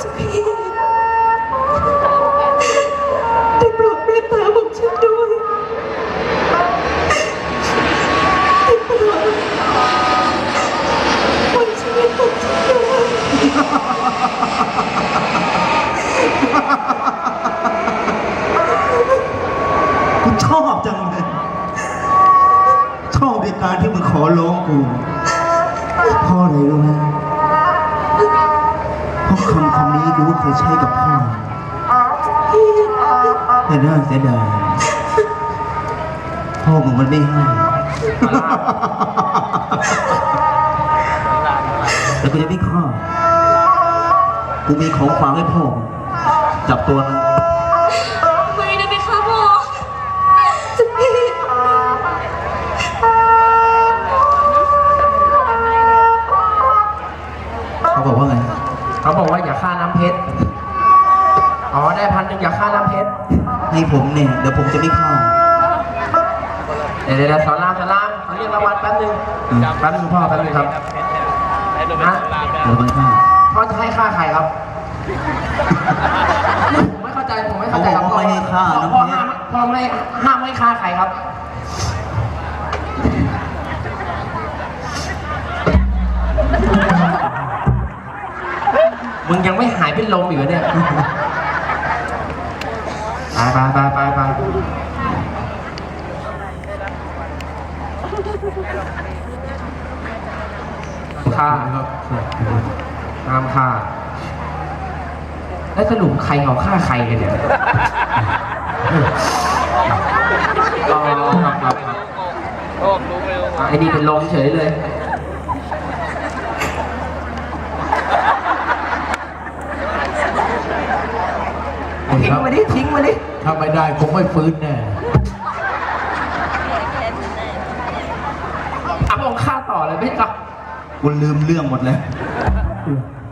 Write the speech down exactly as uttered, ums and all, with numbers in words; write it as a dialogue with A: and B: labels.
A: พี่ได้โปรดเมตตาผมฉันด้วยได้โปรดปล่อยชีวิตผมฉันด้วย
B: กูชอบจังเลยชอบในการที่มึงขอร้องกูเพ่ออะไรรู้ไหมเพราะคำคำนี้กูก็เคยใช้กับพ่อแต่น่าเสียดายพ่อมึงมันไม่ให้แต่กูจะไม่ฆ่ากูมีของฝากให้พ่อจับตัวมัน
A: ไม่นะพี่คะพ่อจะพี่
B: เขาบอกว่าไง
C: เขาบอกว่าอย่าฆ่าน้ำเพชร อ๋อได้พันหนึ่งอย่าฆ่าน้ำเพชร
B: ให้ผมเนี่ยเดี๋ยวผมจะไม่ฆ่า
C: เดี๋ยวเดี๋ยวสอนรามสอนรามขอเรียกรางวัลแป๊บนึงแป๊บนึงพ่อแป๊บนึงครับฮะ
B: เดี๋ยวมันฆ่า
C: พ่อจะให้ฆ่าใครครับผมไม่เข้าใจผมไม่เข้าใจครับ
B: เขาบอกว่าไม่ให้ฆ่าน้ำเพชร
C: พ่อห้ามพ่อไม่ห้ามไม่ฆ่าใครครับมึงยังไม่หายเป็นลมอีกเหรอเนี่ยไปไปไปไปไปฆ่าห้ามฆ่าแล้วสรุปใครเขาฆ่าใครกันเนี่ยอ๋อครับครับครับไอ้นี่เป็นลมเฉยเลยทิ้งมาดิทิ้งมาดิ
D: ถ้าไม่ได้คงไม่ฟื้นแน่
C: อ่ะผมฆ่าต่อเลยไม่ใช่ครับ
B: กูลืมเรื่องหมดแล้ว
D: เ